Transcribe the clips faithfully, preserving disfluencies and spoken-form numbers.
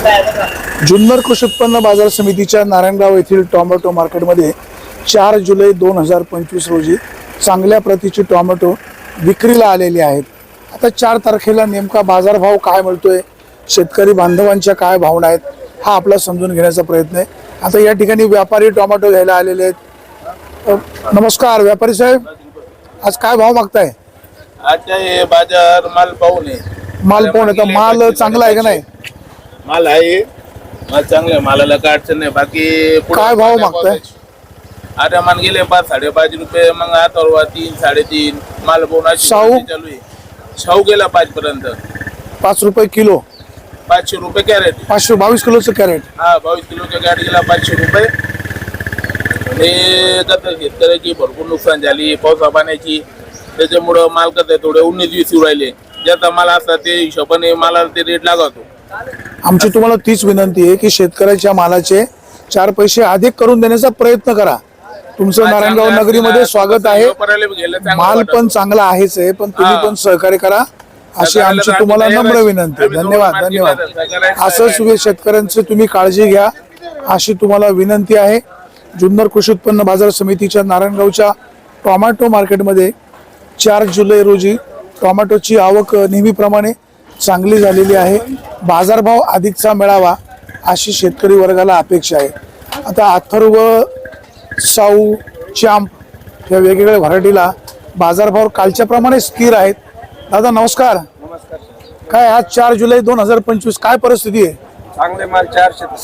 जुन्नर कृषी उत्पन्न बाजार समितीच्या नारायणगाव येथील टोमॅटो मार्केटमध्ये चार जुलै दोन हजार पंचवीस रोजी चांगल्या प्रतीची टोमॅटो विक्रीला आलेली आहेत। आता चार तारखेला नेमका बाजारभाव काय मिळतोय, शेतकरी बांधवांच्या काय भावना आहेत, हा आपला समजून घेण्याचा प्रयत्न आहे। आता या ठिकाणी व्यापारी टोमॅटो घ्यायला आलेले आहेत। नमस्कार व्यापारी साहेब, आज काय भाव मागताय? आता हे बाजार माल पाहून आहे, माल पाहून आहे, माल चांगला आहे का नाही? माल आहे, माल चांगला आहे, मालाला काय अडचण नाही। बाकी काय भाव मागताय? आता मान गेले पाच साडेपाच रुपये, मग आता तीन साडेतीन माल बोनाची शाहू चालू आहे। शाहू गेला पाच पर्यंत, पाच रुपये किलो, पाचशे रुपये कॅरेट, पाचशे बावीस किलोचं कॅरेट। हा बावीस किलोचा कॅरेट गेला पाचशे रुपये। हे कसं शेतकऱ्याची भरपूर नुकसान झाली पावसा पाण्याची, त्याच्यामुळं माल कसं थोडे उन्नीस वीस राहिले। ज्याचा माल असता ते हिशोबाने मालाला ते रेट लागतो। आमची तुम्हाला तीच विनंती आहे की शेतकऱ्याच्या मालाचे चार पैसे अधिक करून देण्याचा प्रयत्न करा। तुमचं नारायणगाव नगरीमध्ये स्वागत आहे, माल पण चांगला आहेच आहे, पण तुम्ही पण सहकार्य करा अशी आमची तुम्हाला नम्र विनंती आहे। धन्यवाद धन्यवाद असंच शेतकऱ्यांची तुम्ही काळजी घ्या अशी तुम्हाला विनंती आहे। जुन्नर कृषी उत्पन्न बाजार समितीच्या नारायणगावच्या टोमॅटो मार्केटमध्ये चार जुलै रोजी टोमॅटोची आवक नेहमीप्रमाणे चांगली झालेली आहे। बाजारभाव अधिकचा मिळावा अशी शेतकरी वर्गाला अपेक्षा आहे। आता अथर्व, साऊ, चॅम्प या वेगवेगळ्या व्हरायटीला बाजारभाव कालच्या प्रमाणे स्थिर आहेत। दादा नमस्कार। नमस्कार। काय आज चार जुलै दोन हजार पंचवीस काय परिस्थिती आहे? चांगले माल चारशे ते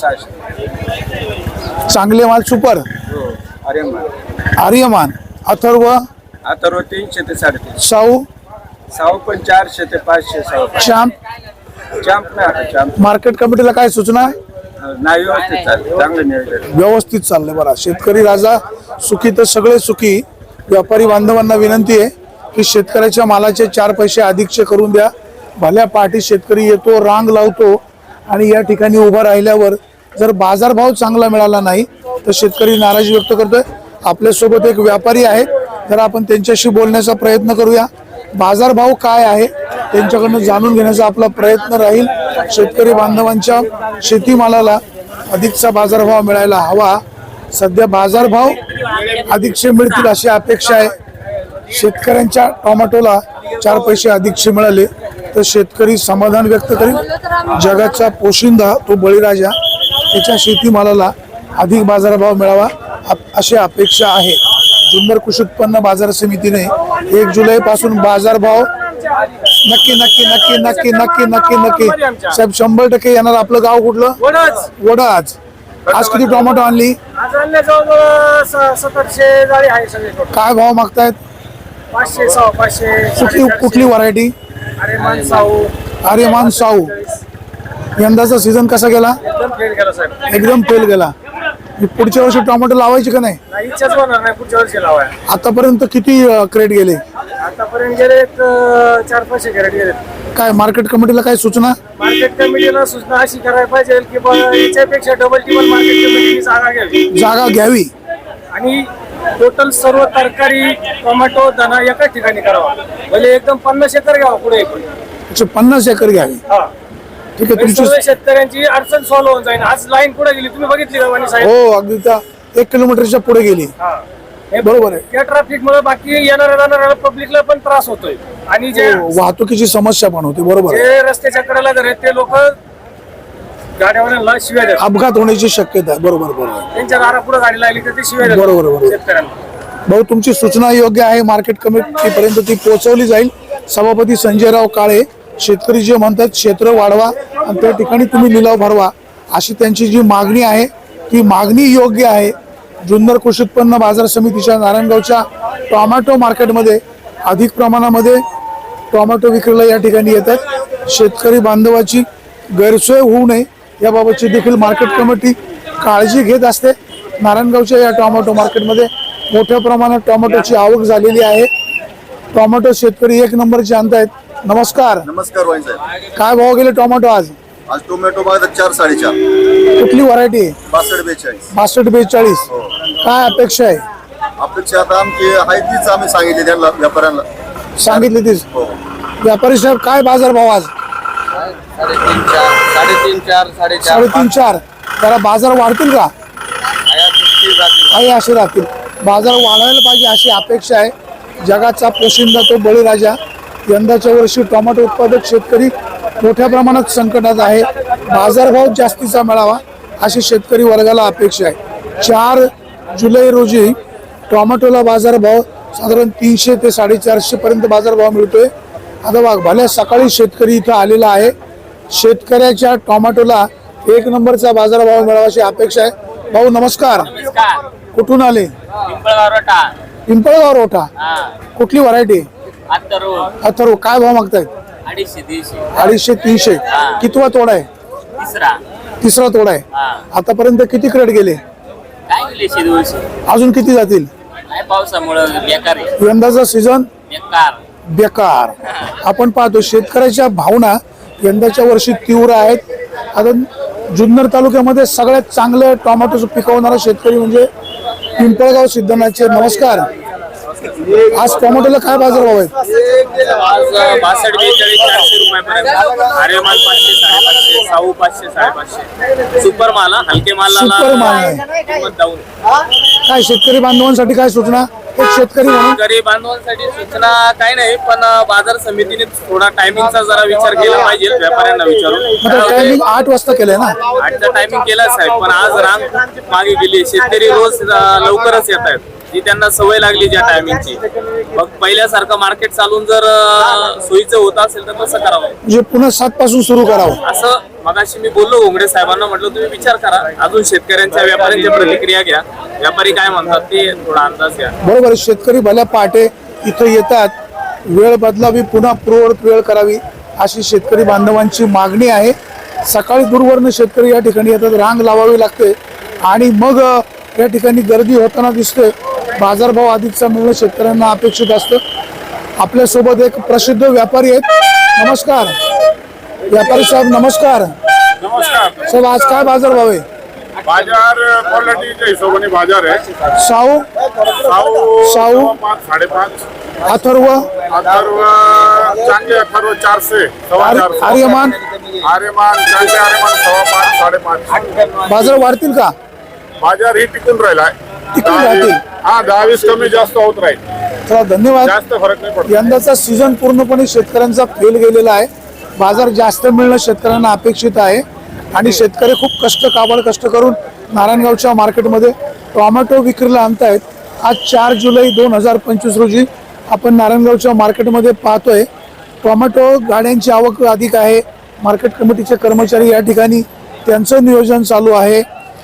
सहाशे, चांगले माल सुपर, आर्यमान आर्यमान, अथर्व, अथर्व तीनशे ते साडेतीनशे, साऊ, साऊ पण चारशे ते पाचशे, चॅम्प, चॅम्प नाही आता चॅम्प मार्केट कमिटीला काय सूचना? नाही, व्यवस्थित चाललं, चांगलं नियोजन व्यवस्थित चाललंय। बरा शेतकरी राजा सुखी तर सगळे सुखी। व्यापारी बांधवांना विनंती आहे की शेतकऱ्याच्या मालाचे चार पैसे अधिकचे करून द्या। भल्या पाठी शेतकरी येतो, रांग लावतो आणि या ठिकाणी उभा राहिल्यावर जर बाजारभाव चांगला मिळाला नाही तर शेतकरी नाराजी व्यक्त करतोय। आपल्यासोबत एक व्यापारी आहे, तर आपण त्यांच्याशी बोलण्याचा प्रयत्न करूया। बाजारभाव काय आहे त्यांच्याकडनं जाणून घेण्याचा आपला प्रयत्न राहील। शेतकरी बांधवांच्या शेतीमालाला अधिकचा बाजारभाव मिळायला हवा। सध्या बाजारभाव अधिकचे मिळतील अशी अपेक्षा आहे। शेतकऱ्यांच्या टोमॅटोला चार पैसे अधिकचे मिळाले तर शेतकरी समाधान व्यक्त करेल। जगाचा पोशिंदा तो बळीराजा, त्याच्या शेतीमालाला अधिक बाजारभाव मिळावा अशी अपेक्षा आहे। जुन्नर कृषी उत्पन्न बाजार समितीने एक जुलै पासून बाजारभाव नक्की नक्की नक्की नक्की नक्की नक्की नक्की साहेब शंभर टक्के येणार। आपलं गाव कुठलं? वडाच। आज किती टोमॅटो आणली? काय भाव मागतायत? पाचशे सहा पाचशे। कुठली कुठली व्हरायटी? आर्यमान साऊ, आर्यमान साऊ। यंदाचा सीझन कसा गेला? एकदम फेल गेला साहेब, एकदम फेल गेला। पुढच्या वर्षी टोमॅटो लावायचे का नाही? नाही इच्छाच होणार नाही पुढच्या वर्षी लावाय। आतापर्यंत किती क्रेट गेले? आतापर्यंत गेले एक चार पाचशे कॅरेट गेले। काय मार्केट कमिटीला काय सूचना? मार्केट कमिटीला सूचना अशी करायला पाहिजे की बा याच्यापेक्षा डबल टिबल मार्केट कमिटीने जागा घ्यावी जागा घ्यावी आणि टोटल सर्व तरकारी टोमॅटो धना एकाच ठिकाणी करावा। म्हणजे एकदम पन्नास एकर घ्यावा पुढे एकशे पन्नास एकर घ्यावी। हा ठीक आहे, तुमची सर्व शेतकऱ्यांची अडचण सॉल्व्ह होऊन जाईल। आज लाईन पुढे गेली, तुम्ही बघितली का वाणी साहेब? हो अगदी त्या एक किलोमीटरच्या पुढे गेली। हा हे बरोबर आहे। त्या ट्रॅफिक मुळे बाकी येणाऱ्या जाणाऱ्या पब्लिकला पण त्रास होतोय आणि जे हो, वाहतुकीची समस्या पण होती। बरोबर आहे। जे रस्त्याच्या कडेला घर आहेत ते लोक गाड्यावाल्यांना शिव्या देतात, अपघात होण्याची शक्यता आहे। बरोबर बरोबर त्यांच्या दारापुढे गाडी लागली तर ते शिव्या देतात बरोबर बरोबर शेतकऱ्यांना। भाऊ तुमची सूचना योग्य आहे, मार्केट कमिटीपर्यंत ती पोहोचवली जाईल। सभापती संजयराव काळे शेतकरी जे म्हणतात क्षेत्र वाढवा आणि त्या ठिकाणी तुम्ही लिलाव भरवा अशी त्यांची जी मागणी आहे ती मागणी योग्य आहे। जुन्नर कृषी उत्पन्न बाजार समितीच्या नारायणगावच्या टोमॅटो मार्केटमध्ये अधिक प्रमाणामध्ये टोमॅटो विक्रीला या ठिकाणी येतात। शेतकरी बांधवाची गैरसोय होऊ नये याबाबतची देखील मार्केट कमिटी काळजी घेत असते। नारायणगावच्या या टोमॅटो मार्केटमध्ये मोठ्या प्रमाणात टोमॅटोची आवक झालेली आहे। टोमॅटो शेतकरी एक नंबरचे आणतायत। नमस्कार। नमस्कार वाईन साहेब। काय भाव गेले टोमॅटो आज? आज टोमॅटो बाजार चार साडेचार। कुठली व्हरायटी? बासष्ट बेचाळीस। बासष्ट बेचाळीस। काय अपेक्षा आहे? अपेक्षा आता आमची आहे तीच आम्ही सांगितली त्यांना व्यापाऱ्यांना सांगितली तीच। हो। व्यापारी साहेब काय बाजार भाव आज? साडेतीन चार साडे साडेतीन चार साडेचार साडेतीन चार जरा बाजार वाढतील का? काही असे राहतील. बाजार वाढायला पाहिजे अशी अपेक्षा आहे. जगाचा पोशिंदा तो बळीराजा. यंदाच्या वर्षी टोमॅटो उत्पादक शेतकरी मोठ्या प्रमाणात संकटात आहे. बाजारभाव जास्तीचा मिळावा अशी शेतकरी वर्गाला अपेक्षा आहे. चार जुलै रोजी टोमॅटोला बाजारभाव साधारण तीनशे ते साडेचारशे पर्यंत बाजारभाव मिळतोय. आता बघ भल्या सकाळी शेतकरी इथं आलेला आहे. शेतकऱ्याच्या टोमॅटोला एक नंबरचा बाजारभाव मिळावा अशी अपेक्षा आहे. भाऊ नमस्कार, कुठून आले? पिंपळगाव रोठा. कुठली व्हरायटी? अथर्व. काय भाव मागतायत? अडीचशे तीनशे. कितवा तोडा आहे? तिसरा तोडा आहे. आतापर्यंत किती क्रेट गेले? अजून किती जातील? यंदाचा सीझन बेकार. आपण पाहतो शेतकऱ्याच्या भावना यंदाच्या वर्षी तीव्र आहेत. आता जुन्नर तालुक्यामध्ये सगळ्यात चांगलं टोमॅटो पिकवणारा शेतकरी म्हणजे पिंपळगाव सिद्धनाथचे. नमस्कार. आज टोमॅटोला काय बाजारभाव आहेत? बासष्ट बेचाळीस चारशे रुपयापर्यंत. आर्यमान पाचशे साडेपाचशे, साऊ पाचशे साडेपाचशे. सुपर माल, हलके मालाला सुपर माल आहे. किंमत डाऊन. काय शेतकरी बांधवांसाठी काय सूचना? एक शेतकरी म्हणून शेतकरी बांधवांसाठी सूचना काही नाही, पण बाजार समितीने थोडा टायमिंगचा जरा विचार केला पाहिजे. व्यापाऱ्यांना विचारून टायमिंग आठ वाजता केलंय ना? आठचा टायमिंग केला साहेब, पण आज रांग खूप मागे गेली. शेतकरी रोज अं, लवकरच येत आहेत. जी त्यांना सवय लागली ज्या टायमिंगची. मग पहिल्यासारखं मार्केट चालून जर अं, सोयीचं होत असेल तर कसं करावं? म्हणजे पुन्हा सात पासून सुरू करावं असं मगाशी मी बोललो घोंगडे साहेबांना, म्हटलं तुम्ही विचार करा. अजून शेतकऱ्यांच्या व्यापाऱ्यांच्या प्रतिक्रिया घ्या. व्यापारी काय म्हणतात ते थोडा अंदाज घ्या. बरोबर आहे. शेतकरी भल्या पहाटे इथं येतात. वेळ बदलावी, पुन्हा पूर्ववत वेळ करावी अशी शेतकरी बांधवांची मागणी आहे. सकाळी दूरवरनं शेतकरी या ठिकाणी येतात. रांग लावावी लागते आणि मग या ठिकाणी गर्दी होताना दिसते. बाजारभाव अधिकचा मिळणं शेतकऱ्यांना अपेक्षित असतं. आपल्यासोबत एक प्रसिद्ध व्यापारी आहेत. नमस्कार व्यापारी साहेब. नमस्कार नमस्कार साहेब. आज काय बाजारभाव आहे? बाजार क्वालिटीच्या हिशोबाने बाजार आहे. साऊ साऊ साऊ पाच साडेपाच. अथर्व अथर्व चांगले अथर्व चारशे सव्वा आर्य- चारशे. आर्यमान आर्यमान चांगले आर्यमान सव्वा पाच साडेपाच. बाजार वाढतील का? बाजार ही टिकून राहिलाय. टिकून दहा राहतील. वीस- हा दहा वीस कमी जास्त होत राहील. चला धन्यवाद. जास्त फरक नाही पडत. यंदाचा सीझन पूर्णपणे शेतकऱ्यांचा फेल गेलेला आहे. बाजार जास्त मिळणं शेतकऱ्यांना अपेक्षित आहे आणि शेतकरी खूप कष्ट काबड कष्ट करून नारायणगावच्या मार्केटमध्ये टोमॅटो विक्रीला आणतायत. आज चार जुलै दोन हजार पंचवीस रोजी आपण नारायणगावच्या मार्केटमध्ये पाहतोय. टोमॅटो गाड्यांची आवक अधिक आहे. मार्केट कमिटीचे कर्मचारी या ठिकाणी त्यांचं नियोजन चालू आहे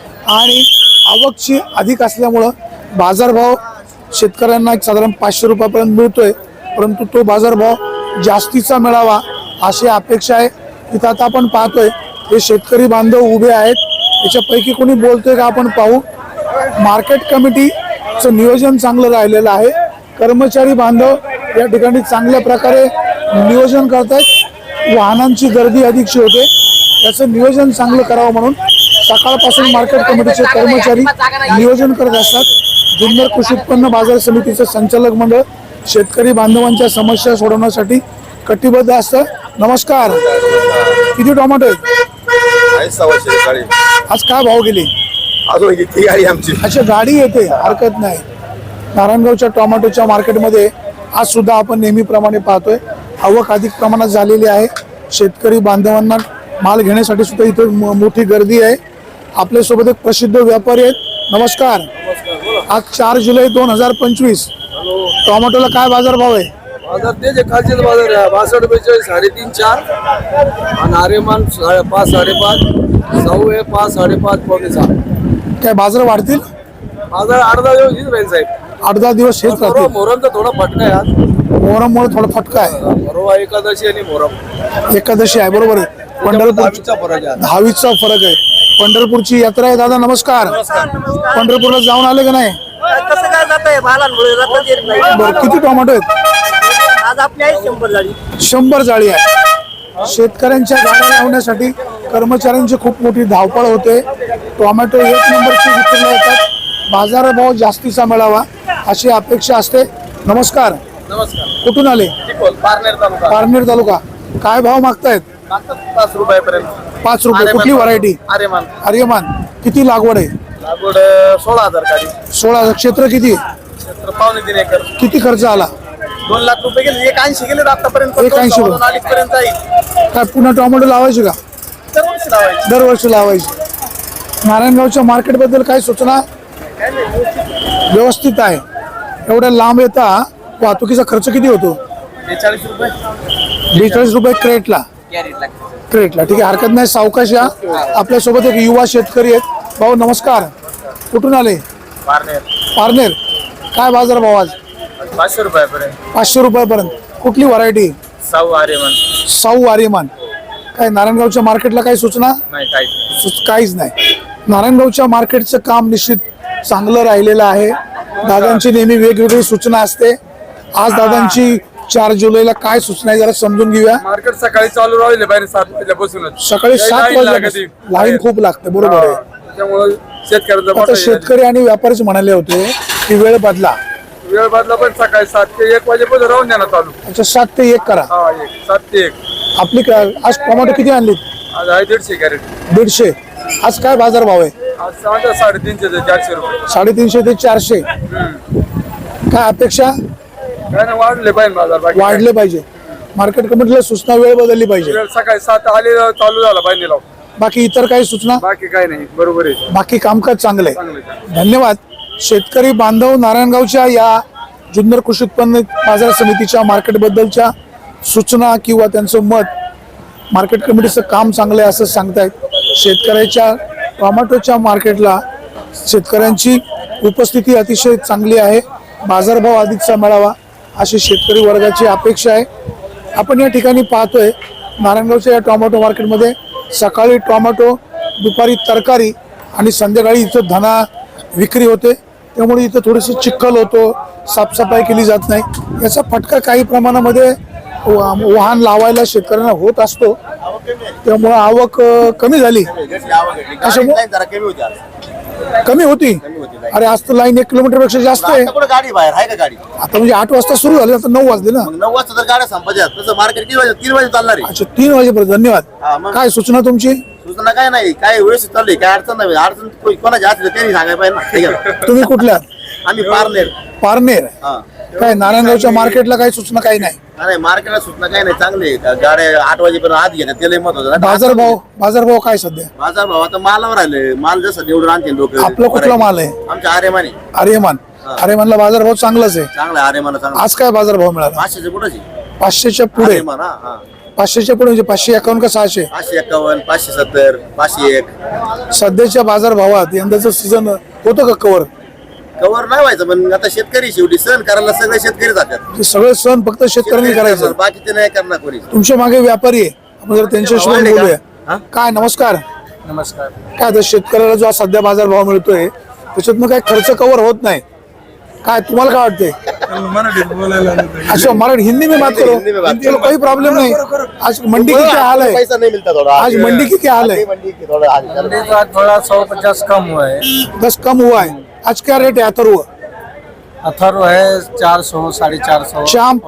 आणि आवकची अधिक असल्यामुळं बाजारभाव शेतकऱ्यांना एक साधारण पाचशे रुपयापर्यंत मिळतोय. परंतु तो बाजारभाव जास्तीचा मिळावा अशी अपेक्षा आहे. इथं आता आपण पाहतोय हे शेतकरी बांधव उभे आहेत. याच्यापैकी कोणी बोलतोय का आपण पाहू. मार्केट कमिटीचं नियोजन चांगलं राहिलेलं आहे. कर्मचारी बांधव या ठिकाणी चांगल्या प्रकारे नियोजन करतायत. वाहनांची गर्दी अधिकची होते. याचं नियोजन चांगलं करावं म्हणून सकाळपासून मार्केट कमिटीचे कर्मचारी नियोजन करत असतात. जुन्नर कृषी उत्पन्न बाजार समितीचं संचालक मंडळ शेतकरी बांधवांच्या समस्या सोडवण्यासाठी कटिबद्ध असतं. नमस्कार. किती टोमॅटो आहेत? आहे सव्वाशे गाडी. आज काय भाव गेले? अजून किती गाडी आमची? अच्छा गाडी येते, हरकत नाही. नारायणगावच्या टोमॅटोच्या मार्केटमध्ये आज सुद्धा आपण नेहमीप्रमाणे पाहतोय आवक अधिक प्रमाणात झालेली आहे. शेतकरी बांधवांना माल घेण्यासाठी सुद्धा इथे म- मोठी गर्दी आहे. आपल्यासोबत एक प्रसिद्ध व्यापारी आहेत. नमस्कार. आज चार जुलै दोन हजार पंचवीस टोमॅटोला काय बाजारभाव आहे? बाजार ते जे खालचे बाजार आहे बासष्ट बेचाळीस साडेतीन चार आणि आर्यमान साडे पाच साडेपाच. साऊ आहे पाच साडेपाच पावणे सहा. काय बाजार वाढतील? बाजार अर्धा दिवस हीच राहील साहेब. आठ दहा दिवस हेच राहतील. मोहरमचा थोडा फटका आहे आज. मोहरममुळे थोडा फटका आहे. परवा एकादशी आणि मोहरम एकादशी आहे, बरोबर आहे. पंढरपूर दहावीचा फरक आहे. दहावीचा फरक आहे. पंढरपूरची यात्रा आहे. दादा नमस्कार. पंढरपूरला जाऊन आले का नाही? कसं काय जात आहे भालांमुळे जाता येत नाही. बरं किती टोमॅटो आहेत? आज आपली आहे शंभर झाली. शंभर जाळी आहे. शेतकऱ्यांच्या गाड्या लावण्यासाठी कर्मचाऱ्यांची खूप मोठी धावपळ होते. टोमॅटो एक नंबरची विक्रीला येतात. बाजारभाव जास्तीचा मिळावा अशी अपेक्षा असते. नमस्कार. नमस्कार. कुठून आले? पारनेर तालुका. पारनेर तालुका. काय भाव मागतायत? पाच रुपयापर्यंत. पाच रुपये कुठली व्हरायटी? आर्यमान आर्यमान. किती लागवड आहे? लागवड सोळा हजार काढी. सोळा हजार. क्षेत्र किती? क्षेत्र पावणे तीन एकर. किती खर्च आला? दोन लाख रुपये गेले. एक ऐंशी गेले आतापर्यंत. एक ऐंशी दोन अडीच पर्यंत जाईल. काय पुन्हा टोमॅटो लावायचे का? दरवर्षी लावायची. दरवर्षी लावायचे. नारायणगावच्या मार्केट बद्दल काय सूचना? व्यवस्थित आहे. एवढ्या लांब येता वाहतुकीचा खर्च किती होतो? बेचाळीस रुपये बेचाळीस रुपये क्रेटला. क्रेटला ठीक आहे, हरकत नाही. सावकाश या. आपल्यासोबत एक युवा शेतकरी आहेत. भाऊ नमस्कार. कुठून आले? पारनेर. पारनेर. काय बाजार भाव आज? पाचशे रुपयापर्यंत. पाचशे रुपयापर्यंत. कुठली व्हरायटी? साऊ आर्यमान. साऊ आर्यमान. काय नारायणगावच्या मार्केटला काही सूचना? नाही काय सुच- काहीच नाही. नारायणगावच्या मार्केटचं काम निश्चित चांगलं राहिलेलं आहे. दादांची नेहमी वेगवेगळी सूचना असते. आज दादांची चार जुलैला काय सूचना आहे जरा समजून घेऊया. मार्केट सकाळी चालू राहिले बाहेर सात वाजल्यापासूनच. सकाळी काही सात line वाजल्यापासून लागते. लाईन खूप लागते. बरोबर आहे. त्यामुळे शेतकऱ्यांचा आता मोठा शेतकरी आणि व्यापारीच म्हणाले होते की वेळ बदला. वेळ बदला पण सकाळी सात ते एक वाजेपर्यंत राहून द्या ना चालू. अच्छा, सात ते एक करा. हा एक सात ते एक. आपली का- आज टोमॅटो किती आणली? आज आहे दीडशे कॅरेट. दीडशे. आज काय बाजार भाव आहे? आज सांगा साडेतीनशे ते चारशे रुपये. साडेतीनशे ते चारशे. काय अपेक्षा? काय नाही वाढले पाहिजे बाजार. बाकी काय. वाढले पाहिजे. मार्केट कमिटीला सूचना वेळ बदलली पाहिजे. वेळ सकाळी सात आले चालू झाला पाहिजे लाव. बाकी इतर काही सूचना? बाकी काय नाही बरोबर आहे. बाकी कामकाज चांगलं आहे. चांगलं आहे. धन्यवाद. शेतकरी बांधव नारायणगावच्या या जुन्नर कृषी उत्पन्न बाजार समितीच्या मार्केट बद्दलच्या सूचना किंवा त्यांचं मत, मार्केट कमिटीचं काम चांगलं आहे असं सांगतायत. शेतकऱ्याच्या टोमॅटोच्या मार्केटला शेतकऱ्यांची उपस्थिती अतिशय चांगली आहे. बाजारभाव अधिकचा मिळावा अशी शेतकरी वर्गाची अपेक्षा आहे. आपण या ठिकाणी पाहतोय नारायणगावच्या या टोमॅटो मार्केटमध्ये सकाळी टोमॅटो, दुपारी तरकारी आणि संध्याकाळी इथं धना विक्री होते. त्यामुळे इथं थोडीशी चिखल होतो, साफसफाई केली जात नाही. याचा फटका काही प्रमाणामध्ये वा- वाहन लावायला शेतकऱ्यांना होत असतो. त्यामुळे आवक अ, कमी झाली. कशामुळे? जरा कमी होती आज. कमी होती. अरे आज तर लाईन एक किलोमीटर पेक्षा जास्त आहे. आता कुठं गाडी बाहेर आहे का गाडी? आता म्हणजे आठ वाजता सुरू झाली, आता नऊ वाजले ना. मग नऊ वाजता जर गाड्या संपायच्या तसं मार्केट किती वाजे तीन वाजे चालणार आहे. अच्छा, तीन वाजेपर्यंत. हा, धन्यवाद. मग. काय सूचना तुमची? सूचना काय नाही, काय व्यवस्थित चालू आहे, काय अडचण नाही. अडचण कोणी- कोणाची असली तर त्यांनी सांगायला पाहिजे ना. ठीक आहे. तुम्ही कुठल्या? आम्ही पारनेर. पारनेर. हा. काय नारायणगावच्या मार्केटला काही सूचना काही नाही? नाही मार्केटला सूचना काय नाही, चांगली आहे. गाड्या आठ वाजेपर्यंत आत घेतात त्याला महत्वाचं ना. बाजारभाव बाजारभाव काय सध्या? बाजार भाव आता मालावर आले. माल जसं निवडून आणते लोक. आपला कुठला माल आहे? आमच्या आर्यमानी. आर्यमान. आर्यमानला बाजारभाव चांगलाच आहे. चांगला आर्यमान चांगला. आज काय बाजारभाव मिळाला? पाचशेच्या पुढेची पाचशेच्या पुढे. आर्यमान. हा हा. पाचशेच्या पुढे म्हणजे पाचशे एकावन्न का सहाशे? पाचशे एक्कावन्न, पाचशे सत्तर, पाचशे एक. सध्याच्या बाजारभावात यंदाचं सीझन होतं का कव्हर? कव्हर नाही व्हायचं पण आता शेतकरी शेवटी सण करायला सगळे शेतकरी जातात. हे सगळे सण फक्त शेतकऱ्यांनी करायचं. बाकीचे नाही करणार कोणी. तुमच्या मागे व्यापारी आहे, आपण जर त्यांच्याशी वाढले का? बोलूया. हा? काय नमस्कार. नमस्कार. काय आता शेतकऱ्याला जो आज सध्या बाजारभाव मिळतोय त्याच्यातनं काय खर्च कव्हर होत नाही. काय तुम्हाला काय वाटते? अच्छा, मराठी हिंदी में बात करो. हिंदी में बात चलो कोई प्रॉब्लम नहीं. आज मंडी की क्या हाल है? पैसा नहीं मिलता थोड़ा. आज मंडी की क्या हाल है? मंडी की थोड़ा हाल है. थोड़ा सौ पचास कम हुआ है. दस कम हुआ है. आज क्या रेट है अथर्व? अथर्व है चार सौ साढ़े चार सौ. चांप?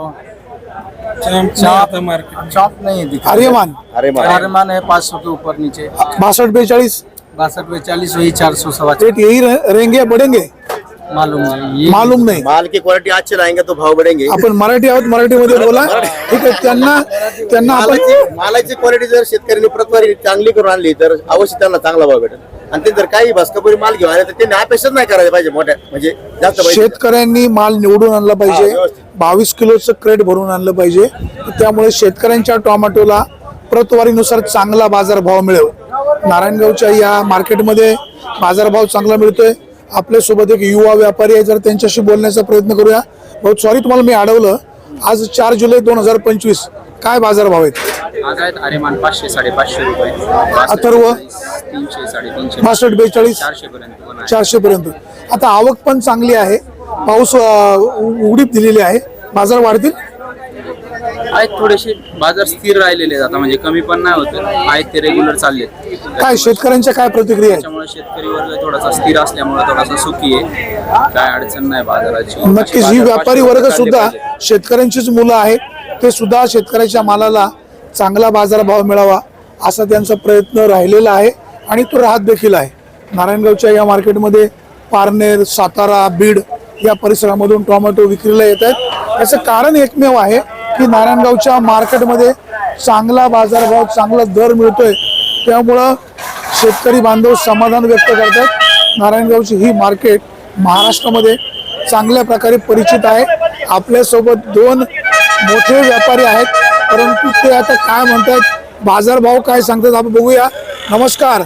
चाप चाप नहीं दिखा. आर्यमान अरे मा- आर्यमान है पाँच सौ के ऊपर नीचे. बासठ बेचालीस बासठ बेचालीस वही चार सौ सवा रेट यही रह- रहेंगे या बढ़ेंगे? मालूम नहीं. ये मालूम नहीं. माल की क्वालिटी अच्छी लाएंगे तो भाव बढ़ेंगे. आपण मराठी आहोत, मराठीमध्ये बोला. ठीक आहे. त्यांना त्यांना आपण मालाची मालाची क्वालिटी जर शेतकऱ्यांनी प्रतवारी चांगली करून आणली तर अवश्य त्यांना चांगला भाव भेटेल. आणि ते जर काही भस्कापुरी माल घेऊन आले तर त्यांनी अपेक्षाच नाही करायला पाहिजे मोठ्या म्हणजे जास्त पैसे. शेतकऱ्यांनी माल निवडून आणला हा, पाहिजे. व्यवस्थित. बावीस किलोचं क्रेट भरून आणलं पाहिजे. त्यामुळे शेतकऱ्यांच्या टोमॅटोला प्रतवारीनुसार चांगला बाजारभाव मिळेल. नारायणगावच्या या मार्केटमध्ये बाजारभाव चांगला मिळतोय. आपल्यासोबत एक युवा व्यापारी आहे, जर त्यांच्याशी बोलण्याचा प्रयत्न करूया. बहुत सॉरी तुम्हाला मी अडवलं. आज चार जुलै दोन हजार पंचवीस काय बाजारभाव आहेत? आज आहेत आर्यमान पाचशे साडेपाचशे रुपये. अथर्व? तीनशे साडेतीनशे बासष्ट बेचाळीस चारशे पर्यंत पण आहे. चारशे पर्यंत. आता आवक पण चांगली आहे. पाऊस अं, उ- उडीप दिलेली आहे. बाजार वाढतील. आहेत थोडेसे बाजार स्थिर राहिलेले आहेत आता, म्हणजे कमी पण नाही होत आहेत ते रेग्युलर चालले. काय शेतकऱ्यांच्या काय प्रतिक्रिया आहेत? त्याच्यामुळे शेतकरी वर्ग थोडासा स्थिर असल्यामुळे थोडासा सुखी आहे. काय अडचण नाही बाजाराची. नक्कीच ही व्यापारी वर्ग सुद्धा शेतकऱ्यांचीच मुलं आहेत. ते सुद्धा शेतकऱ्याच्या मालाला चांगला बाजारभाव मिळावा असा त्यांचा प्रयत्न राहिलेला आहे आणि तो राहत देखील आहे. नारायणगावच्या या मार्केटमध्ये पारनेर, सातारा, बीड या परिसरामधून टोमॅटो विक्रीला येत आहेत. याचं कारण एकमेव आहे की नारायणगावच्या मार्केटमध्ये चांगला बाजारभाव, चांगला दर मिळतोय, त्यामुळं शेतकरी बांधव समाधान व्यक्त करतात. नारायणगावची ही मार्केट महाराष्ट्रामध्ये चांगल्या प्रकारे परिचित आहे. आपल्यासोबत दोन मोठे व्यापारी आहेत, परंतु ते आता काय म्हणतात, बाजारभाव काय सांगतात आपण बघूया. नमस्कार.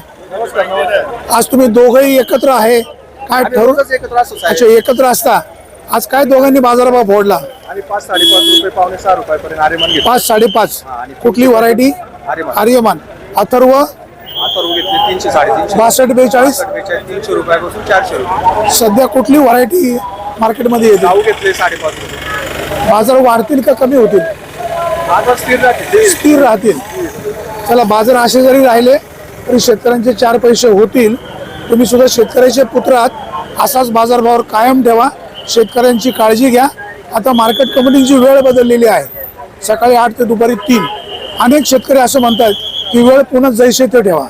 आज तुम्ही दोघंही एकत्र आहे, काय ठरवून अच्छा एकत्र असता. आज काय दोघांनी बाजारभाव फोडला? आणि पाच साडेपाच रुपये पावणे सहा रुपयापर्यंत आरेमान घेतले. पाच साडेपाच. कुठली व्हरायटी? आर्यमान. अथर्व अथर्व घेतले तीनशे साडेतीनशे. बासष्ट बेचाळीस. तीनशे रुपयापासून चारशे रुपये. सध्या कुठली व्हरायटी मार्केटमध्ये येते? गाऊ घेतले साडेपाच रुपये. बाजार वाढतील का कमी होतील? बाजार स्थिर राहते. स्थिर राहतील. चला, बाजार असे जरी राहिले तरी शेतकऱ्यांचे चार पैसे होतील. तुम्ही सुद्धा शेतकऱ्याचे पुत्र आहात, असाच बाजारभावावर कायम ठेवा. शेतकऱ्यांची काळजी घ्या. आता मार्केट कमिटीची वेळ बदललेली आहे, सकाळी आठ ते दुपारी तीन. अनेक शेतकरी असं म्हणतात की वेळ पुन्हा जैसे ते ठेवा.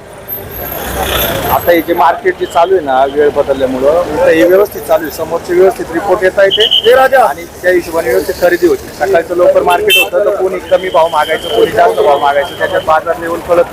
आता हे जे मार्केट जे चालू आहे ना, वेळ बदलल्यामुळं तर हे व्यवस्थित चालू आहे. समोरचे व्यवस्थित रिपोर्ट येता येते आणि त्या हिशोबाने व्यवस्थित खरेदी होती. सकाळचं लवकर मार्केट होतं तर कोणी कमी भाव मागायचं, कोणी जास्त भाव मागायचं, त्याच्यात बाजार लेवल कळत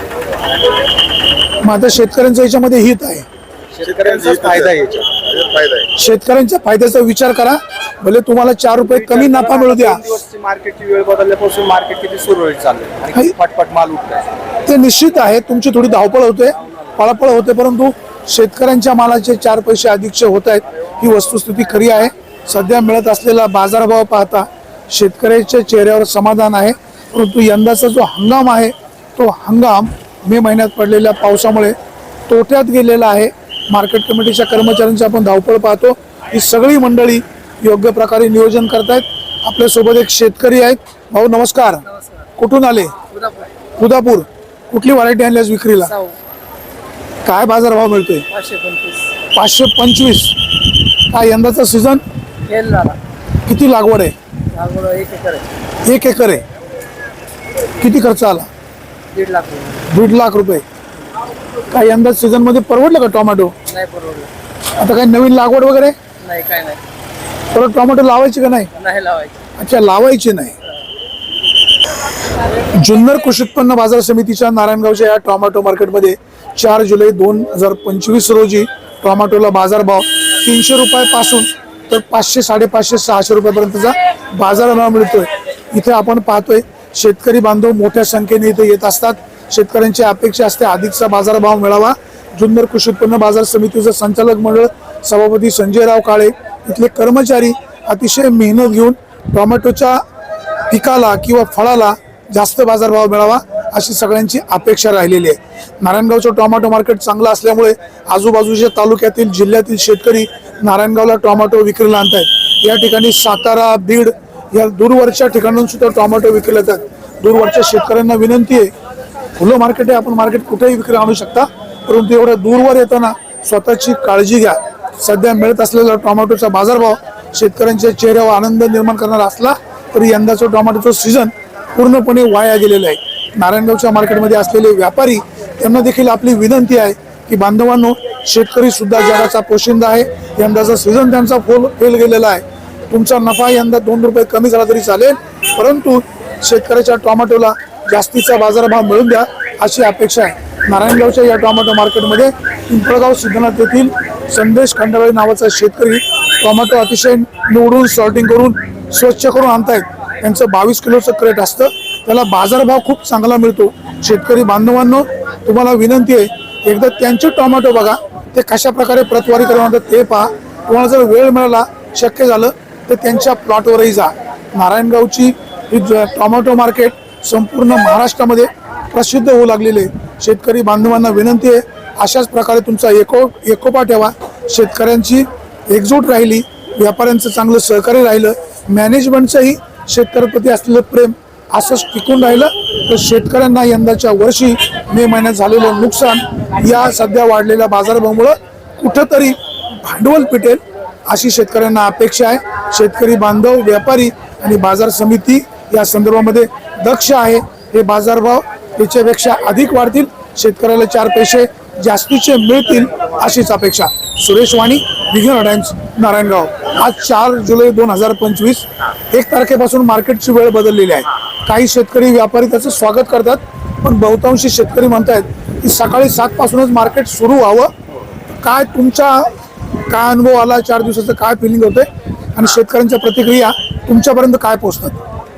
नव्हतं. मग आता शेतकऱ्यांच्या याच्यामध्ये हित आहे, शेतकऱ्यांचाच फायदा आहे याच्यात. फायदा आहे. शेतकऱ्यांच्या फायद्याचा विचार करा. भले तुम्हाला चार रुपये कमी नफा मिळू द्या. दोन दिवसची मार्केटची वेळ बदलल्यापासून मार्केट किती सुरळीत चाललंय आणि किती पटपट माल उठलाय. ते निश्चित आहे, तुमची थोडी धावपळ होते, पळापळ होते, परंतु शेतकऱ्यांच्या मालाचे चार पैसे अधिकचे होत आहेत, ही वस्तुस्थिती खरी आहे. सध्या मिळत असलेला बाजारभाव पाहता शेतकऱ्याच्या चेहऱ्यावर समाधान आहे. परंतु यंदाचा जो हंगाम आहे तो हंगाम मे महिन्यात पडलेल्या पावसामुळे तोट्यात गेलेला आहे. मार्केट कमिटीच्या कर्मचाऱ्यांची आपण धावपळ पाहतो. ही सगळी मंडळी योग्य प्रकारे नियोजन करतायत. आपल्यासोबत एक शेतकरी आहेत. भाऊ नमस्कार. कुठून आले? उदापूर. कुठली व्हरायटी आणली आज विक्रीला? काय बाजारभाव मिळतोय? पाचशे पंचवीस. काय यंदाचा सीझन? किती लागवड आहे? एक एकर आहे. किती खर्च आला? दीड लाख दीड लाख रुपये. काय यंदा सीझन मध्ये परवडलं का टोमॅटो? नाही परवडलं. आता काय नवीन लागवड वगैरे? नाही, काय नाही. परत टोमॅटो लावायची का नाही? नाही लावायचं. अच्छा, लावायची नाही. जुन्नर कृषी उत्पन्न बाजार समितीच्या नारायणगावच्या या टोमॅटो मार्केटमध्ये चार जुलै दोन हजार पंचवीस रोजी टोमॅटोला बाजारभाव तीनशे रुपयापासून तर पाचशे साडेपाचशे सहाशे रुपयापर्यंतचा बाजारभाव मिळतोय. इथे आपण पाहतोय शेतकरी बांधव मोठ्या संख्येने इथे येत असतात. शेतकऱ्यांची अपेक्षा असते अधिकचा बाजारभाव मिळावा. जुन्नर कृषी उत्पन्न बाजार समितीचं संचालक मंडळ, सभापती संजयराव काळे, इथले कर्मचारी अतिशय मेहनत घेऊन टोमॅटोच्या पिकाला किंवा फळाला जास्त बाजारभाव मिळावा अशी सगळ्यांची अपेक्षा राहिलेली आहे. नारायणगावचं टोमॅटो मार्केट चांगलं असल्यामुळे आजूबाजूच्या तालुक्यातील जिल्ह्यातील शेतकरी नारायणगावला टोमॅटो विक्रीला आणतायत. या ठिकाणी सातारा, बीड या दूरवरच्या ठिकाणाहून सुद्धा टोमॅटो विक्रीला येतात. दूरवरच्या शेतकऱ्यांना विनंती आहे, खुलं मार्केट आहे, आपण मार्केट कुठेही विक्री आणू शकता, परंतु एवढ्या दूरवर येताना स्वतःची काळजी घ्या. सध्या मिळत असलेला टोमॅटोचा बाजारभाव शेतकऱ्यांच्या चेहऱ्यावर आनंद निर्माण करणारा असला तरी यंदाचं टोमॅटोचं सीझन पूर्णपणे वाया गेलेलं आहे. नारायणगावच्या मार्केटमध्ये असलेले व्यापारी त्यांना देखील आपली विनंती आहे की बांधवांनो, शेतकरी सुद्धा जगाचा पोशिंदा आहे. यंदाचा सीझन त्यांचा फुल फेल गेलेला आहे. तुमचा नफा यंदा दोन रुपये कमी झाला तरी चालेल, परंतु शेतकऱ्याच्या टोमॅटोला जास्तीचा बाजारभाव मिळून द्या अशी अपेक्षा आहे. नारायणगावच्या या टोमॅटो मार्केटमध्ये पिंपळगाव सिद्धनाथ येथील संदेश खंडाळे नावाचा शेतकरी टोमॅटो अतिशय निवडून सॉर्टिंग करून स्वच्छ करून आणतायत. त्यांचं बावीस किलोचं क्रेट असतं, त्याला बाजारभाव खूप चांगला मिळतो. शेतकरी बांधवांनो, तुम्हाला विनंती आहे, एकदा त्यांचे टोमॅटो बघा, ते कशा प्रकारे प्रतवारी करून ते पहा. तुम्हाला जर वेळ मिळाला, शक्य झालं तर त्यांच्या प्लॉटवरही जा. नारायणगावची ही टोमॅटो मार्केट संपूर्ण महाराष्ट्रामध्ये प्रसिद्ध होऊ लागलेले. शेतकरी बांधवांना विनंती आहे, अशाच प्रकारे तुमचा एको एकोपा ठेवा. शेतकऱ्यांची एकजूट राहिली, व्यापाऱ्यांचं चांगलं सहकार्य राहिलं, मॅनेजमेंटचंही शेतकऱ्याप्रती असलेलं प्रेम असंच टिकून राहिलं तर शेतकऱ्यांना यंदाच्या वर्षी मे महिन्यात झालेलं नुकसान या सध्या वाढलेल्या बाजारभावामुळं कुठंतरी भांडवल पिटेल अशी शेतकऱ्यांना अपेक्षा आहे. शेतकरी बांधव, व्यापारी आणि बाजार समिती या संदर्भामध्ये दक्ष आहे. हे बाजारभाव त्याच्यापेक्षा अधिक वाढतील, शेतकऱ्याला चार पैसे जास्तीचे मिळतील अशीच अपेक्षा. सुरेश वाणी, विघ्न टाइम्स, नारायणगाव. आज चार जुलै दोन हजार पंचवीस. एक तारखेपासून मार्केटची वेळ बदललेली आहे. काही शेतकरी व्यापारी त्याचं स्वागत करतात, पण बहुतांशी शेतकरी म्हणतात की सकाळी सात पासूनच मार्केट सुरू व्हावं. काय तुमचा काय अनुभव आला, चार दिवसाचं काय फिलिंग होतंय आणि शेतकऱ्यांच्या प्रतिक्रिया तुमच्यापर्यंत काय पोहोचतात?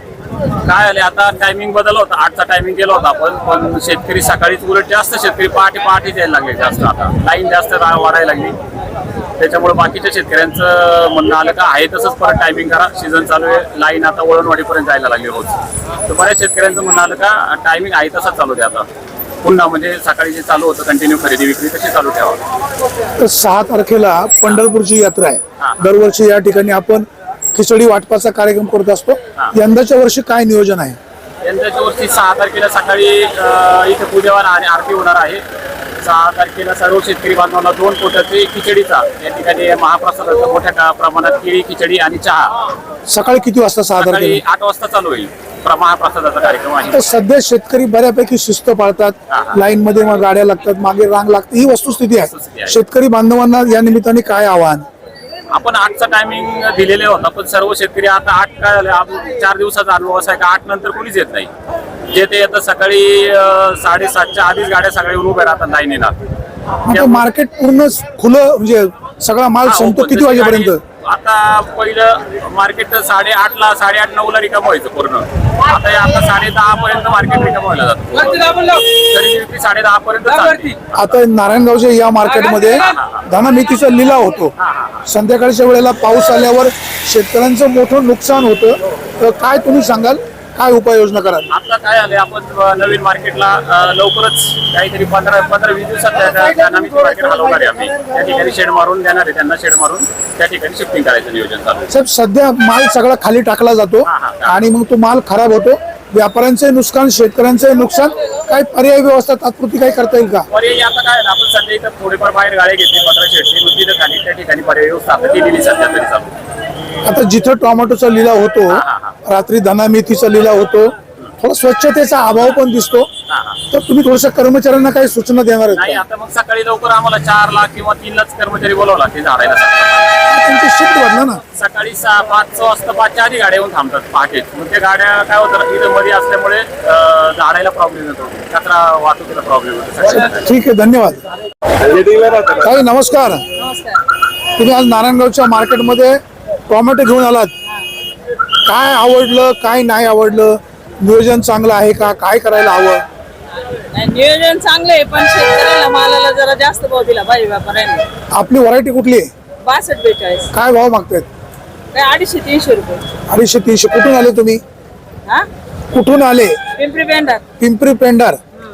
काय आले आता टायमिंग बदल होता, आठचा टायमिंग केला होता आपण, पण शेतकरी सकाळीच उलट जास्त शेतकरी पहाटे पहाटे यायला लागले जास्त. आता लाईन जास्त रा- वाढायला लागली, त्याच्यामुळे बाकीच्या शेतकऱ्यांचं म्हणणं आलं का आहे तसंच परत टायमिंग करा, सीझन चालू आहे, लाईन आता वळणवाडीपर्यंत जायला लागली रोज. तर बऱ्याच शेतकऱ्यांचं म्हणणं आलं का टायमिंग आहे तसंच चालू द्या आता, पुन्हा म्हणजे सकाळी जे चालू होतं कंटिन्यू खरेदी विक्री तशी चालू ठेवा. तर सहा तारखेला पंढरपूरची यात्रा आहे. दरवर्षी या ठिकाणी आपण खिचडी वाटपाचा कार्यक्रम करत असतो. यंदाच्या वर्षी काय नियोजन आहे? यंदाच्या वर्षी सहा तारखेला सकाळी अ, इथे पूजेवार आणि आरती होणार आहे. सहा तारखेला सर्व शेतकरी बांधवांना दोन पोटाची खिचडीचा या ठिकाणी महाप्रसादाचा मोठ्या का- प्रमाणात केळी खिचडी आणि चहा सकाळी किती वाजता? सहा सकाळी तारखेला. आठ वाजता चालू होईल. प्र- महाप्रसादाचा कार्यक्रम आहे. तर सध्या शेतकरी बऱ्यापैकी शिस्त पाळतात, लाईन मध्ये मग गाड्या लागतात, मागे रांग लागते, ही वस्तुस्थिती वस्तुस्थिती आहे. आहे. शेतकरी बांधवांना या निमित्ताने काय आव्हान? आपण आठचा टायमिंग दिलेले होता, पण सर्व शेतकरी आता आठ काय झाले, आप- चार दिवसाचा अनुभव असा आहे का आठ नंतर कोणीच येत नाही. जे ते येतं सकाळी अ, साडेसातच्या आधीच गाड्या सगळ्या उभ्या राहतात लाईन येणार. आता मार्केट पूर्ण खुलं, म्हणजे सगळा माल संपतो किती वाजेपर्यंत? आता पहिलं मार्केट साडेआठ ला साडेआठ नऊ ला रिकाम व्हायचं पूर्ण. आता हे आता साडे दहा पर्यंत मार्केट रिकाम व्हायला जातं. खरेदी विक्री साडे दहा पर्यंत चालते. आता नारायणगावच्या या मार्केटमध्ये धनामेथीचा लिलाव होतो. संध्याकाळच्या वेळेला पाऊस आल्यावर शेतकऱ्यांचं मोठं नुकसान होतं. तर काय तुम्ही सांगाल, काय उपाययोजना कराल? आता काय आले आपण अ, नवीन मार्केटला अ, लवकरच काहीतरी पंधरा पंधरा वीस दिवसात त्या- त्या- त्या नवीन मार्केट हलवणार आहे आम्ही. त्या ठिकाणी शेड मारून देणार आहे, त्यांना शेड मारून त्या ठिकाणी शिफ्टिंग करायचं नियोजन चालू आहे. साहेब, सध्या माल सगळा खाली टाकला जातो आणि मग तो माल खराब होतो. व्यापाऱ्यांचे नुकसान, शेतकऱ्यांचे नुकसान. काय पर्यायी व्यवस्था तात्पुरती काही करता येईल का? पर्यायी आता काय आहे, आपण सध्या इथं थोडेफार बाहेर गाड्या घेतली पंधरा शेडची, मग तिथं खाली त्या ठिकाणी पर्यायी व्यवस्था आता केलेली सध्या तरी चालू. आता जिथं टोमॅटोचा लिलाव होतो, रात्री धनामेथीचा लिलाव होतो, थोडा स्वच्छतेचा अभाव पण दिसतो. तर तुम्ही थोडंसं कर्मचाऱ्यांना काही सूचना देणार आहेत नाही, का? आता मग सकाळी लवकर आम्हाला चार लाख किंवा तीन लाख कर्मचारी बोलावला ते झाडायला. तुमची शिफ्ट बदला ना. सकाळी सहा पाच वाजता पाचच्या आधी गाड्या येऊन थांबतात पहाटे. मग त्या गाड्या काय होतं इथं मध्ये असल्यामुळे अं, झाडायला प्रॉब्लेम येतो, कचरा वाहतुकीला प्रॉब्लेम येतो सकाळी. ठीक आहे, धन्यवाद. ताई नमस्कार. तुम्ही आज नारायणगावच्या मार्केटमध्ये टोमॅटो घेऊन आलात. काय आवडलं, काय नाही आवडलं? नियोजन चांगलं आहे का? काय करायला हवं? नाही, नियोजन चांगलं आहे, पण शेतकऱ्याला मालाला जरा जास्त भाव दिला पाहिजे व्यापाऱ्यांनी. आपली व्हरायटी कुठली आहे? बासष्ट बेचाळीस काय भाव मागतायत? काय अडीचशे तीनशे रुपये. अडीचशे तीनशे. कुठून आले तुम्ही? हा कुठून आले? पिंपरी पेंढार पिंपरी पेंढार.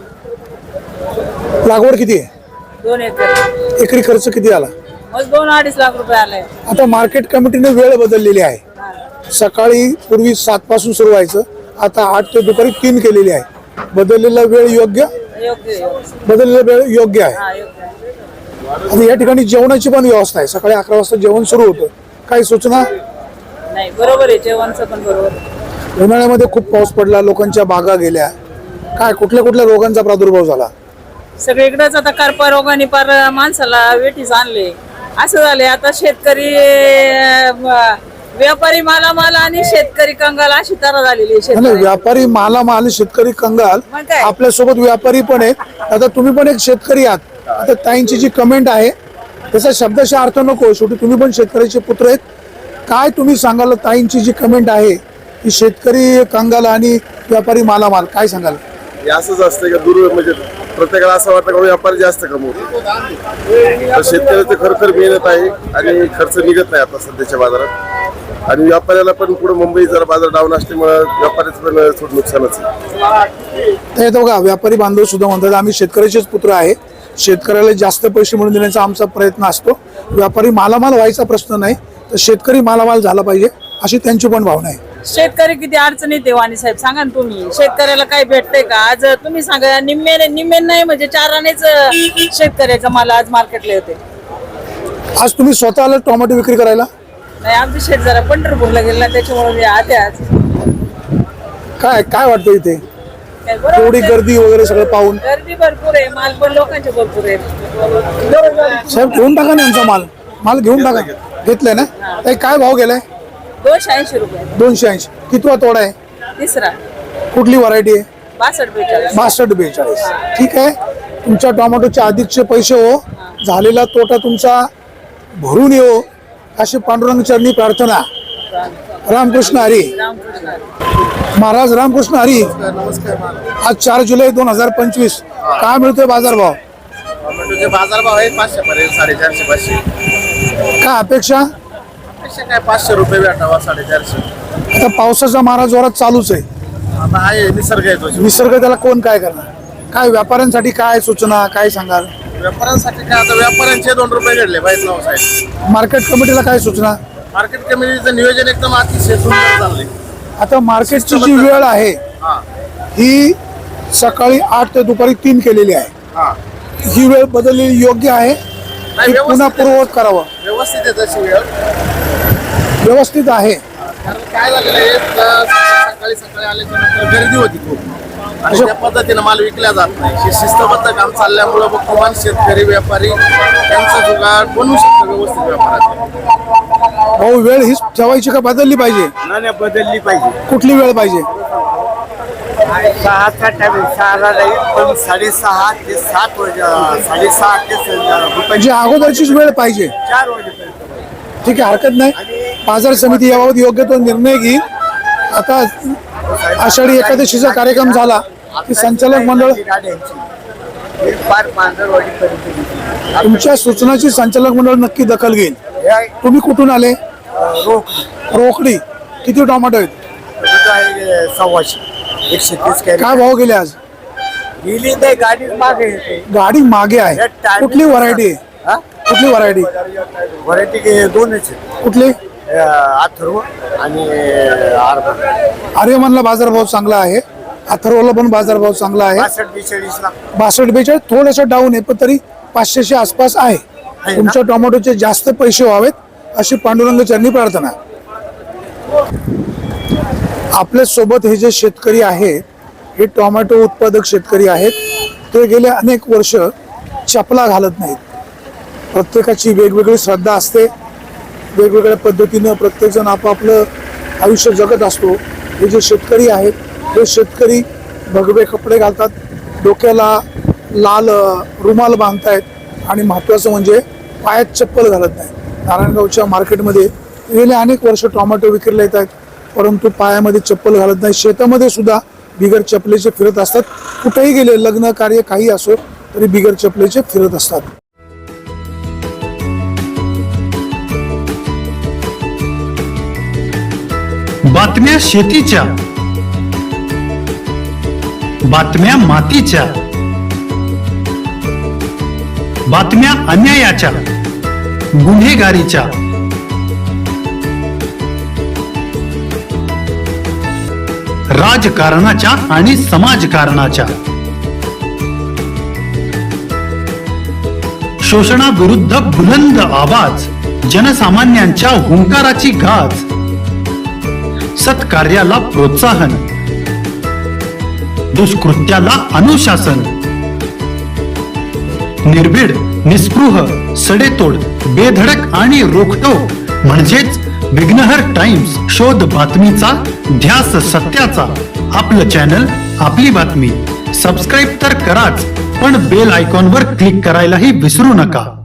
लागवड किती आहे? दोन एकर. एकरी खर्च किती आला? मग दोन अडीच लाख रुपये आले. आता मार्केट कमिटीने वेळ बदललेली आहे. सकाळी पूर्वी सात पासून सुरू व्हायचं, आता आठ ते दुपारी तीन केलेली आहे. बदललेला वेळ योग्य, योग्य योग्य. बदललेला वेळ योग्य आहे. हा योग्य. आता या ठिकाणी जेवणाची पण व्यवस्था आहे. सकाळी अकरा वाजता जेवण सुरू होतं. काही सूचना? नाही बरोबर आहे, जेवणचं पण बरोबर आहे. उन्हाळ्यामध्ये खूप पाऊस पडला, लोकांच्या बागा गेल्या. काय कुठल्या कुठल्या रोगांचा प्रादुर्भाव झाला? सगळीकडेच आता करपा रोगाने पार माणसाला वेठीस आणले. असं झाले आता शेतकरी अं, व्यापारी मालामाल आणि शेतकरी कंगाल अशी तरा झालेली आहे आणि शेतकरी. व्यापारी मालामाल, शेतकरी कंगाल. मग काय? आपल्यासोबत व्यापारी पण आहेत. आता तुम्ही पण एक शेतकरी आहात. आता ताईंची जी कमेंट आहे त्याचा शब्दशः अर्थ नको, शेवटी तुम्ही पण शेतकऱ्याचे पुत्र आहेत. काय तुम्ही सांगाल? ताईंची जी कमेंट आहे की शेतकरी कंगाल आणि व्यापारी मालामाल, काय सांगाल? हे असंच असतं का दूर म्हणजे प्रत्येकाला असं वाटतं का व्यापारी जास्त कमवतो, तर शेतकऱ्याचं खरोखर मेहनत आहे आणि खर्च निघत नाही आता सध्याच्या बाजारात. आणि व्यापाऱ्याला पण पुढे मुंबई जरा बाजार डाऊन असल्यामुळे व्यापाऱ्याचं पण थोडं नुकसानच आहे. तर येतो का व्यापारी बांधव सुद्धा म्हणतात आम्ही शेतकऱ्याचेच पुत्र आहे, शेतकऱ्याला जास्त पैसे मिळवून देण्याचा आमचा प्रयत्न असतो. व्यापारी मालामाल व्हायचा प्रश्न नाही, तर शेतकरी मालामाल झाला पाहिजे अशी त्यांची पण भावना आहे. शेतकरी किती अडचणीत आहे वाणी साहेब, सांगा ना तुम्ही. शेतकऱ्याला काय भेटतंय का? आज तुम्ही सांगा, निम्मे निम्मे नाही म्हणजे चारानेच शेतकऱ्याचा माल आज मार्केटला येते. आज तुम्ही स्वतः आला टोमॅटो विक्री करायला? नाही, आमची शेत जरा पंढरपूरला गेला त्याच्यामुळे मी आते आज. काय काय वाटतं इथे? नाही बरोबर एवढी आहे. गर्दी वगैरे सगळं पाहून गर्दी भरपूर आहे, माल पण लोकांचे भरपूर आहे. साहेब घेऊन टाका ना यांचा माल माल घेऊन टाका. घेतलाय ना ताई, काय भाव गेलाय? दोनशे ऐंशी रुपये दोनशे ऐंशी. कितवा तोडा आहे? तिसरा कुठली व्हरायटी आहे? बासष्ट बेचाळीस. बासष्ट बेचाळीस. ठीक आहे, तुमच्या टोमॅटोचे अधिकचे पैसे हो, झालेला तोटा तुमचा भरून येऊ अशी पांडुरंग चरणी प्रार्थना. रामकृष्ण हरी. महाराज रामकृष्ण हरी. आज चार जुलै दोन हजार पंचवीस. काय मिळतोय बाजारभाव? टोमॅटोचे बाजारभाव आहेत पाचशे पर्यंत, साडेचारशे पाचशे. काय अपेक्षा? अपेक्षा काय पाचशे रुपये भेटावा, साडेचारशे. आता पावसाचा मारा जोरात चालूच आहे. आता आहे निसर्ग आहे तो. निसर्ग त्याला कोण काय करणार? काय व्यापाऱ्यांसाठी काय सूचना काय सांगाल? व्यापाऱ्यांसाठी काय आता व्यापाऱ्यांचे दोन रुपये घडले पाहिजे नाव साहेब. मार्केट कमिटीला काय सूचना? मार्केट कमिटीचं नियोजन एकदम अतिशय सुंदर चाललंय. आता मार्केटची जी वेळ आहे हा ही सकाळी आठ ते दुपारी तीन केलेली आहे. हा ही वेळ बदललेली योग्य आहे नाही, की पुन्हा व्यवस्थित पूर्ववत करावं? व्यवस्थित आहे तशी वेळ. व्यवस्थित आहे. कारण काय झालेलं आहे, तर सकाळी सकाळी आल्याच्या नंतर गर्दी होती खूप आणि त्या पद्धतीनं माल विकला जात नाही. हे शिस्तबद्ध काम चालल्यामुळं मग किमान शेतकरी व्यापारी यांचा जुगाड बनवू शकतो व्यवस्थित व्यापारात. भाऊ वेळ हीच ठेवायची का बदलली पाहिजे? नाही बदलली पाहिजे. कुठली वेळ पाहिजे? सहाचा टाइम सहाला जाईल पण साडेसहा ते सात वाजे साडेसहा ते म्हणजे अगोदरचीच वेळ पाहिजे. चार वाजेपर्यंत. ठीक आहे, हरकत नाही. बाजार समिती याबाबत योग्य तो निर्णय घेईल. आता आषाढी एकादशीचा कार्यक्रम झाला की संचालक मंडळ फार पांढरवाडीपर्यंत तुमच्या सूचनाची संचालक मंडळ नक्की दखल घेईल. तुम्ही कुठून आले? रोकडी. किती टोमॅटो आहेत? सव्वाशे एकशे तीस काय भाव गेले आज? गेली नाही गाडी मागे येते. गाडी मागे आहे. कुठली व्हरायटी आहे? कुठली व्हरायटी? व्हरायटी दोनच आहेत. कुठली? अथर्व आणि आर्मा. आर्यमनला बाजारभाव चांगला आहे, अथर्वला पण बाजारभाव चांगला आहे. बासष्ट बेचाळीस ला बासष्ट बेचाळीस थोडंसं डाऊन आहे पण तरी पाचशेच्या आसपास आहे. तुमच्या टोमॅटोचे जास्त पैसे व्हावेत अशी पांडुरंग चरणी प्रार्थना. आपल्या सोबत हे जे शेतकरी आहेत हे टोमॅटो उत्पादक शेतकरी आहेत. ते गेले अनेक वर्ष चपला घालत नाहीत. प्रत्येकाची वेगवेगळी श्रद्धा असते, वेगवेगळ्या पद्धतीनं प्रत्येकजण आपापलं आयुष्य जगत असतो. हे जे शेतकरी आहेत हे शेतकरी भगवे कपडे घालतात, डोक्याला लाल रुमाल बांधतायत आणि महत्त्वाचं म्हणजे पायात चप्पल घालत नाही. नारायणगावच्या मार्केटमध्ये गेले अनेक वर्ष टोमॅटो विक्रीला येत आहेत परंतु पायामध्ये चप्पल घालत नाही. शेतामध्ये सुद्धा बिगर चपलेचे फिरत असतात. कुठेही गेले लग्न कार्य काही असो तरी बिगर चपलेचे फिरत असतात. बातम्या शेतीच्या, बातम्या मातीच्या, बातम्या अन्यायाच्या, गुन्हेगारीच्या, राजकारणाच्या आणि समाजकारणाच्या, शोषणाविरुद्ध बुलंद आवाज, जनसामान्यांच्या हुंकाराची गाज, सत्कार्याला प्रोत्साहन, दुष्कृत्याला अनुशासन, निर्भीड, निस्पृह, सडेतोड, बेधडक आणि रोखटोक म्हणजेच विघ्नहर टाइम्स. शोध बातमीचा, ध्यास सत्याचा. आपलं चॅनल, आपली बातमी. सबस्क्राईब तर कराच पण बेल आयकॉनवर क्लिक करायलाही विसरू नका.